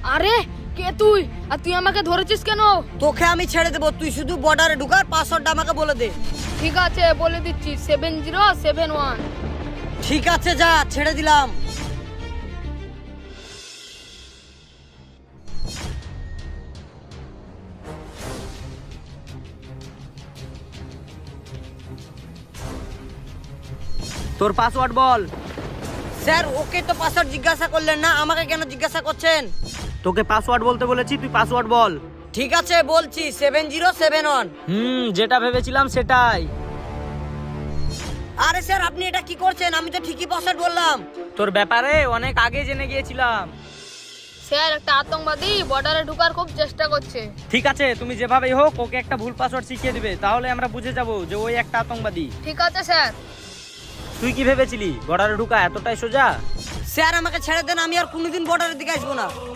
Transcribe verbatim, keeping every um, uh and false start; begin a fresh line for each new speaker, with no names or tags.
আরে কে তুই? আর তুই আমাকে ধরেছিস কেন?
তোকে আমি ছেড়ে দেবো, তুই শুধু বর্ডারে ঢুকার পাসওয়ার্ডটা আমাকে বলে দে।
ঠিক আছে বলে দিচ্ছি, সেভেন জিরো সেভেন ওয়ান।
ঠিক আছে যা, ছেড়ে দিলাম।
তোর পাসওয়ার্ড বল।
স্যার ওকে তো পাসওয়ার্ড জিজ্ঞাসা করলেন না, আমাকে কেন জিজ্ঞাসা করছেন?
তোকে পাসওয়ার্ড বলতে বলেছি, তুই পাসওয়ার্ড বল।
ঠিক আছে বলছি, সেভেন জিরো সেভেন ওয়ান।
হুম, যেটা ভেবেছিলাম সেটাই।
আরে স্যার আপনি এটা কি করছেন? আমি তো ঠিকই পাসওয়ার্ড বললাম।
তোর ব্যাপারে অনেক আগে জেনে গিয়েছিলাম।
স্যার একটা আতঙ্কবাদী বর্ডারে ঢোকার খুব চেষ্টা করছে।
ঠিক আছে, তুমি যেভাবেই হোক ওকে একটা ভুল পাসওয়ার্ড শিখিয়ে দিবে, তাহলে আমরা বুঝে যাব যে ওই একটা আতঙ্কবাদী।
ঠিক আছে স্যার।
তুই কি ভেবেছিলি বর্ডারে ঢুকা এতটাই সোজা?
স্যার আমাকে ছেড়ে দেন, আমি আর কোনোদিন বর্ডারের দিকে আসবো না।